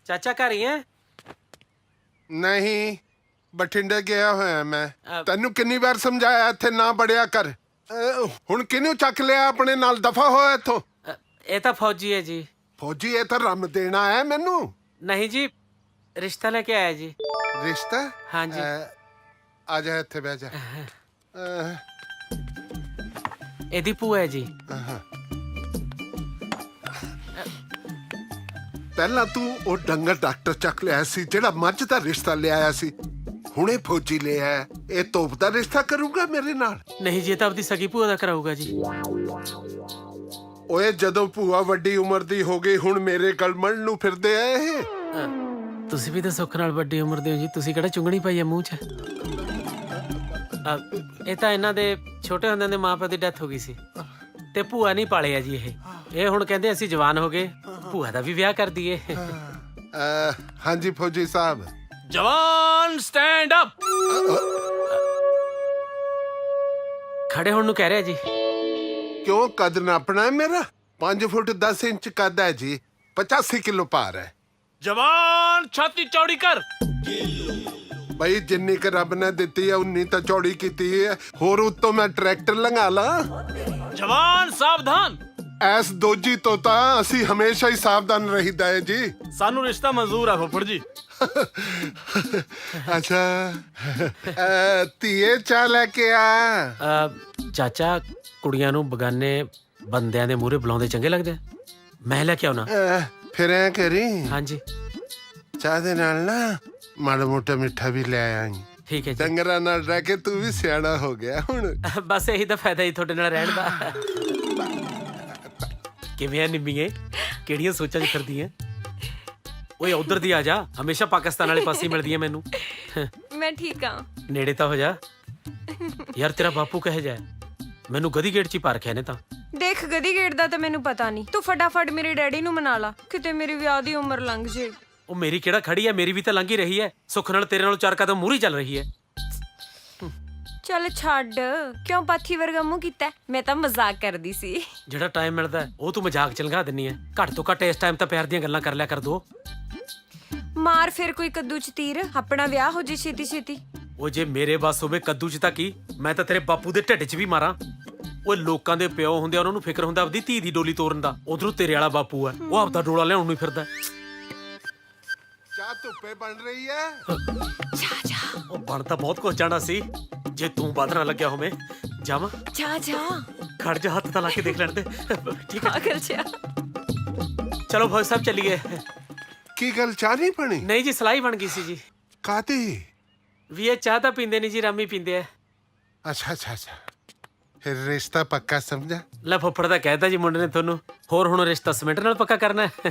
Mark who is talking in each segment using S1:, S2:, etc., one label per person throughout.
S1: ਚਾਚਾ ਘਰ ਹੀ ਹੈ?
S2: ਨਹੀਂ, ਬਠਿੰਡੇ ਗਿਆ ਹੋਇਆ ਮੈਂ। ਤੈਨੂੰ ਕਿੰਨੀ ਵਾਰ ਸਮਝਾਇਆ ਇੱਥੇ ਨਾ ਬੜਿਆ ਕਰ। ਹੁਣ ਕਿਹਨੂੰ ਚੱਕ ਲਿਆ ਆਪਣੇ ਨਾਲ? ਦਫਾ ਹੋਇਆ ਇੱਥੋਂ।
S1: ਇਹ ਤਾਂ ਫੌਜੀ ਹੈ ਜੀ।
S2: ਫੌਜੀ? ਇਹ ਤਾਂ ਰਮ ਦੇਣਾ ਹੈ ਮੈਨੂੰ।
S1: ਨਹੀਂ ਜੀ, ਰਿਸ਼ਤਾ ਲੈ ਕੇ ਆਇਆ ਜੀ।
S2: ਰਿਸ਼ਤਾ?
S1: ਹਾਂਜੀ।
S2: ਆ ਜਾ ਇੱਥੇ ਬਹਿ ਜਾ।
S1: ਇਹਦੀ ਭੂਆ ਹੈ ਜੀ।
S2: ਪਹਿਲਾਂ ਤੂੰ ਉਹ ਡੰਗਰ ਡਾਕਟਰ ਚੱਕ ਲਿਆ ਸੀ ਜਿਹੜਾ ਮੱਝ ਦਾ ਰਿਸ਼ਤਾ ਲਿਆਇਆ ਸੀ। ਹੁਣੇ ਫੌਜੀ ਲਿਆ। ਇਹ ਤੋਪ ਦਾ ਰਿਸ਼ਤਾ ਕਰੂਗਾ ਮੇਰੇ ਨਾਲ?
S1: ਨਹੀਂ ਜੀ, ਇਹ ਤਾਂ ਆਪਣੀ ਸਗੀ ਭੂਆ ਦਾ ਕਰਾਊਗਾ ਜੀ।
S2: ਓਏ ਜਦੋਂ ਭੂਆ ਵੱਡੀ ਉਮਰ ਦੀ ਹੋ ਗਈ ਹੁਣ ਮੇਰੇ ਗਲ ਮਣ ਨੂੰ ਫਿਰਦੇ ਆ ਇਹ।
S1: ਤੁਸੀਂ ਵੀ ਤਾਂ ਸੁੱਖ ਨਾਲ ਵੱਡੀ ਉਮਰ ਦੇ ਹੋ ਜੀ। ਤੁਸੀਂ ਕਿਹੜਾ ਚੁੰਗਣੀ ਪਾਈ ਹੈ ਮੂੰਹ 'ਚ? ਇਹ ਤਾਂ ਇਹਨਾਂ ਦੇ ਛੋਟੇ ਹੁੰਦਿਆਂ ਦੇ ਮਾਂ ਪਿਓ ਦੀ ਡੈਥ ਹੋ ਗਈ ਸੀ ਤੇ ਭੂਆ ਨਹੀਂ ਪਾਲਿਆ ਜੀ। ਇਹ ਹੁਣ ਕਹਿੰਦੇ ਅਸੀਂ ਜਵਾਨ ਹੋ ਗਏ, ਭੂਆ ਦਾ ਵੀ ਵਿਆਹ ਕਰ ਦਈਏ।
S2: ਹਾਂਜੀ ਫੌਜੀ ਸਾਹਿਬ।
S1: ਜਵਾਨ ਸਟੈਂਡ ਅਪ। ਖੜੇ ਹੋਣ ਨੂੰ ਕਹਿ ਰਿਹਾ ਜੀ।
S2: ਕਿਉਂ? ਕੱਦ ਨਾਪਣਾ ਹੈ ਮੇਰਾ? 5 ਫੁੱਟ 10 ਇੰਚ ਕੱਦ ਹੈ ਜੀ। 85 ਕਿਲੋ ਭਾਰ ਹੈ।
S1: ਜਵਾਨ ਛਾਤੀ ਚੌੜੀ ਕਰ।
S2: ਭਾਈ ਜਿੰਨੀ ਕੁ ਰੱਬ ਨੇ ਦਿੱਤੀ ਹੈ ਉਨੀ ਤਾਂ ਚੌੜੀ ਕੀਤੀ ਹੈ। ਹੋਰ ਉੱਤੋਂ ਮੈਂ ਟਰੈਕਟਰ ਲੰਘਾ ਲਾ।
S1: ਜਵਾਨ ਸਾਵਧਾਨ।
S2: ਐਸ ਦੋਜੀ ਤੋਂ ਤਾਂ ਅਸੀਂ ਹਮੇਸ਼ਾ ਹੀ ਸਾਵਧਾਨ ਰਹੀਦਾ ਹੈ ਜੀ।
S1: ਸਾਨੂੰ ਰਿਸ਼ਤਾ ਮਨਜ਼ੂਰ ਆ ਫੁੱਫੜ ਜੀ।
S2: ਅੱਛਾ, ਧੀਏ ਚਾਹ ਲੈ ਕੇ ਆ।
S1: ਚਾਚਾ, ਕੁੜੀਆਂ ਨੂੰ ਬਗਾਨੇ ਬੰਦਿਆਂ ਦੇ ਮੂਹਰੇ ਬੁਲਾਉਂਦੇ ਚੰਗੇ ਲੱਗਦੇ? ਮੈਂ ਲੈ ਕੇ ਆਉਣਾ।
S2: ਫਿਰ ਐ ਕਰੀ,
S1: ਹਾਂਜੀ,
S2: ਚਾਹ ਦੇ ਨਾਲ ਨਾ ਮਾੜਾ ਮੋਟਾ ਮਿੱਠਾ ਵੀ ਲੈ ਆਈ।
S1: ਠੀਕ ਹੈ ਜੀ।
S2: ਡੰਗਰਾਂ ਨਾਲ ਰਹਿ ਕੇ ਤੂੰ ਵੀ ਸਿਆਣਾ ਹੋ ਗਿਆ ਹੁਣ।
S1: ਬਸ ਇਹੀ ਤਾਂ ਫਾਇਦਾ ਹੀ ਤੁਹਾਡੇ ਨਾਲ ਰਹਿਣ ਦਾ। ਕਿਵੇਂ ਆ ਨਿੰਮੀਏ? ਕਿਹੜੀਆਂ ਸੋਚਾਂ 'ਚ ਫਿਰਦੀਆਂ? ਓਏ ਉਧਰ ਦੀ ਆ ਜਾ। ਹਮੇਸ਼ਾ ਪਾਕਿਸਤਾਨ ਵਾਲੇ ਪਾਸੇ ਮਿਲਦੀ ਹੈ ਮੈਨੂੰ।
S3: ਮੈਂ ਠੀਕ ਆ।
S1: ਨੇੜੇ ਤਾਂ ਹੋ ਜਾ ਯਾਰ। ਤੇਰਾ ਬਾਪੂ ਕਹੇ ਜਾ ਮੈਨੂੰ ਗਦੀ ਗੇਟ 'ਚ ਹੀ ਪਾ ਰੱਖਿਆ ਨੇ ਤਾਂ।
S3: ਦੇਖ, ਗਦੀ ਗੇਟ ਦਾ ਤਾਂ ਮੈਨੂੰ ਪਤਾ ਨਹੀਂ। ਤੂੰ ਫਟਾਫਟ ਮੇਰੇ ਡੈਡੀ ਨੂੰ ਮਨਾ ਲਾ, ਕਿਤੇ ਮੇਰੀ ਵਿਆਹ ਦੀ ਉਮਰ ਲੰਘ ਜੇ।
S1: ਉਹ ਮੇਰੀ ਕਿਹੜਾ ਖੜੀ ਹੈ? ਮੇਰੀ ਵੀ ਤਾਂ ਲੰਘ ਹੀ ਰਹੀ ਹੈ। ਸੁੱਖ ਨਾਲ ਤੇਰੇ ਨਾਲੋਂ 4 ਕਦਮ ਮੂਹਰੇ ਚੱਲ ਰਹੀ ਹੈ।
S3: ਚੱਲ ਛੱਡ, ਕਿਉਂ ਪਾਥੀ ਵਰਗਾ ਮੂੰਹ ਕੀਤਾ? ਮੈਂ ਤਾਂ ਮਜ਼ਾਕ ਕਰਦੀ ਸੀ।
S1: ਜਿਹੜਾ ਟਾਈਮ ਮਿਲਦਾ ਉਹ ਤੂੰ ਮਜ਼ਾਕ ਚ ਲੰਘਾ ਦਿੰਨੀ ਹੈ। ਘੱਟ ਤੋਂ ਘੱਟ ਇਸ ਟਾਈਮ ਤਾਂ ਪਿਆਰ ਦੀਆਂ ਗੱਲਾਂ ਕਰ ਲਿਆ ਕਰ ਦੋ।
S3: ਮਾਰ ਫਿਰ ਕੋਈ ਕੱਦੂ ਚ ਤੀਰ, ਆਪਣਾ ਵਿਆਹ ਹੋ ਜੇ ਛੇਤੀ ਛੇਤੀ।
S1: ਉਹ ਜੇ ਮੇਰੇ ਵੱਸ ਹੋਵੇ ਕੱਦੂ ਚ ਤਾਂ ਕੀ, ਮੈਂ ਤਾਂ ਤੇਰੇ ਬਾਪੂ ਦੇ ਢਿੱਡ 'ਚ ਵੀ ਮਾਰਾਂ। ਉਹ ਲੋਕਾਂ ਦੇ ਪਿਓ ਹੁੰਦੇ ਆ, ਉਹਨਾਂ ਨੂੰ ਫਿਕਰ ਹੁੰਦਾ ਆਪਦੀ ਧੀ ਦੀ ਡੋਲੀ ਤੋਰਨ ਦਾ। ਉਧਰੋਂ ਤੇਰੇ ਵਾਲਾ ਬਾਪੂ ਆ, ਉਹ ਆਪਦਾ ਡੋਲਾ ਲਿਆਉਣ ਨੂੰ ਫਿਰਦਾ।
S2: ਚਾਹ ਧੁੱਪੇ ਬਣ ਰਹੀ ਹੈ।
S1: ਉਹ ਬਣ ਤਾਂ ਬਹੁਤ ਕੁਝ ਜਾਣਾ ਸੀ ਜੇ ਤੂੰ ਵੱਧ ਨਾ ਲੱਗਿਆ ਹੋਵੇਂ। ਜਾਵਾਂ?
S3: ਜਾ ਜਾ,
S1: ਖੜ ਜਾ, ਹੱਥ ਤਾਂ ਲਾ ਕੇ ਦੇਖ ਲੈਣ ਦੇ। ਠੀਕ ਹੈ,
S3: ਪਾਗਲ ਜਿਹਾ।
S1: ਚਲੋ ਫੌਜ ਸਾਹਿਬ ਚੱਲੀਏ।
S2: ਕੀ ਗੱਲ, ਚਾਹ ਨਹੀਂ ਬਣੀ?
S1: ਨਹੀਂ ਜੀ, ਸਲਾਈ ਬਣ ਗਈ ਸੀ ਜੀ।
S2: ਕਾਹਦੀ?
S1: ਵੀ ਇਹ ਚਾਹ ਤਾਂ ਪੀਂਦੇ ਨਹੀਂ ਜੀ, ਰਾਮੀ ਪੀਂਦੇ ਆ।
S2: ਅੱਛਾ ਅੱਛਾ ਅੱਛਾ, ਫਿਰ ਰਿਸ਼ਤਾ ਪੱਕਾ ਸਮਝਾ?
S1: ਲੈ ਫੁੱਫੜ ਦਾ ਕਹਿਤਾ ਜੀ ਮੁੰਡੇ ਨੇ ਤੁਹਾਨੂੰ। ਹੋਰ ਹੁਣ ਰਿਸ਼ਤਾ ਸਿਮੈਂਟ ਨਾਲ ਪੱਕਾ ਕਰਨਾ ਹੈ?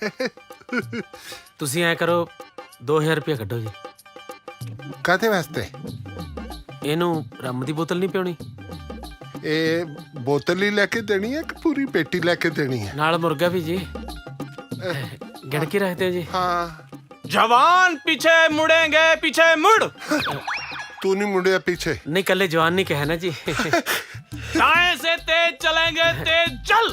S1: ਤੁਸੀਂ ਐ ਕਰੋ, 2000 ਰੁਪਇਆ ਕੱਢੋ ਜੀ।
S2: ਕਾਹਦੇ ਵਾਸਤੇ?
S1: ਇਹਨੂੰ ਰੰਮ ਦੀ ਬੋਤਲ ਨਹੀਂ ਪਿਉਣੀ?
S2: ਇਹ ਬੋਤਲ ਹੀ ਲੈ ਕੇ ਦੇਣੀ ਹੈ ਕਿ ਪੂਰੀ ਪੇਟੀ ਲੈ ਕੇ ਦੇਣੀ ਹੈ?
S1: ਨਾਲ ਮੁਰਗਾ ਵੀ ਜੀ। ਗਿਣ ਕੇ ਰੱਖਦੇ ਹੋ ਜੀ।
S2: ਹਾਂ।
S1: जवान पीछे मुड़ेंगे, पीछे मुड़।
S2: तू नहीं मुड़िया पीछे?
S1: नहीं, कल जवान नहीं कहे ना जी। दाएं से तेज चलेंगे, तेज चल।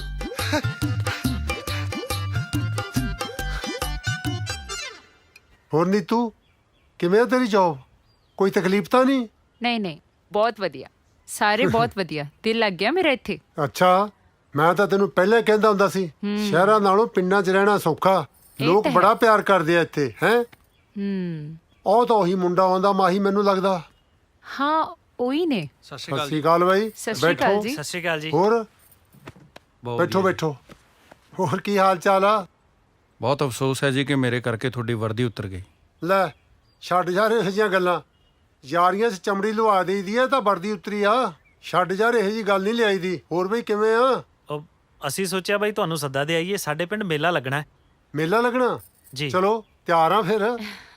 S4: ਹੋਰ ਨੀਤੂ, ਕਿਵੇਂ ਆ ਤੇਰੀ ਜੌਬ? ਕੋਈ ਤਕਲੀਫ ਤਾਂ ਨਹੀਂ?
S5: ਨਹੀਂ ਨਹੀਂ, ਬਹੁਤ ਵਧੀਆ, ਸਾਰੇ ਬਹੁਤ ਵਧੀਆ। ਦਿਲ ਲੱਗ ਗਿਆ ਮੇਰਾ ਇੱਥੇ।
S4: ਅੱਛਾ, ਮੈਂ ਤਾਂ ਤੈਨੂੰ ਪਹਿਲਾਂ ਹੀ ਕਹਿੰਦਾ ਹੁੰਦਾ ਸੀ ਸ਼ਹਿਰਾਂ ਨਾਲੋਂ ਪਿੰਡਾਂ 'ਚ ਰਹਿਣਾ ਸੌਖਾ। ਲੋਕ ਬੜਾ ਪਿਆਰ ਕਰਦੇ ਆ ਇੱਥੇ। ਹੈ ਉਹ ਤਾਂ ਉਹੀ ਮੁੰਡਾ ਆਉਂਦਾ ਮਾਹੀ, ਮੈਨੂੰ ਲੱਗਦਾ।
S5: ਹਾਂ, ਉਹੀ ਨੇ।
S4: ਸਤਿ ਸ਼੍ਰੀ ਅਕਾਲ ਬਾਈ।
S5: ਸਤਿ ਸ਼੍ਰੀ ਅਕਾਲ ਜੀ।
S1: ਸਤਿ ਸ਼੍ਰੀ ਅਕਾਲ ਜੀ।
S4: ਹੋਰ ਬੈਠੋ ਬੈਠੋ। ਹੋਰ ਕੀ ਹਾਲ ਚਾਲ ਆ?
S6: ਬਹੁਤ ਅਫਸੋਸ ਹੈ ਜੀ ਕਿ ਮੇਰੇ ਕਰਕੇ ਤੁਹਾਡੀ ਵਰਦੀ ਉਤਰ ਗਈ।
S4: ਲੈ ਛੱਡ ਯਾਰ ਇਹੋ ਜਿਹੀਆਂ ਗੱਲਾਂ। ਯਾਰੀਆਂ 'ਚ ਚਮੜੀ ਲੁਆ ਦੇਈਦੀ ਆ ਤਾਂ ਵਰਦੀ ਉਤਰੀ ਆ। ਛੱਡ ਯਾਰ, ਇਹੋ ਜਿਹੀ ਗੱਲ ਨਹੀਂ ਲਿਆਈ ਦੀ। ਹੋਰ ਬਈ ਕਿਵੇਂ ਆ?
S7: ਅਸੀਂ ਸੋਚਿਆ ਬਾਈ ਤੁਹਾਨੂੰ ਸੱਦਾ ਦੇ ਆਈਏ, ਸਾਡੇ ਪਿੰਡ ਮੇਲਾ ਲੱਗਣਾ ਹੈ।
S4: ਮੇਲਾ ਲੱਗਣਾ?
S7: ਜੀ।
S4: ਚਲੋ ਤਿਆਰ ਆ ਫਿਰ।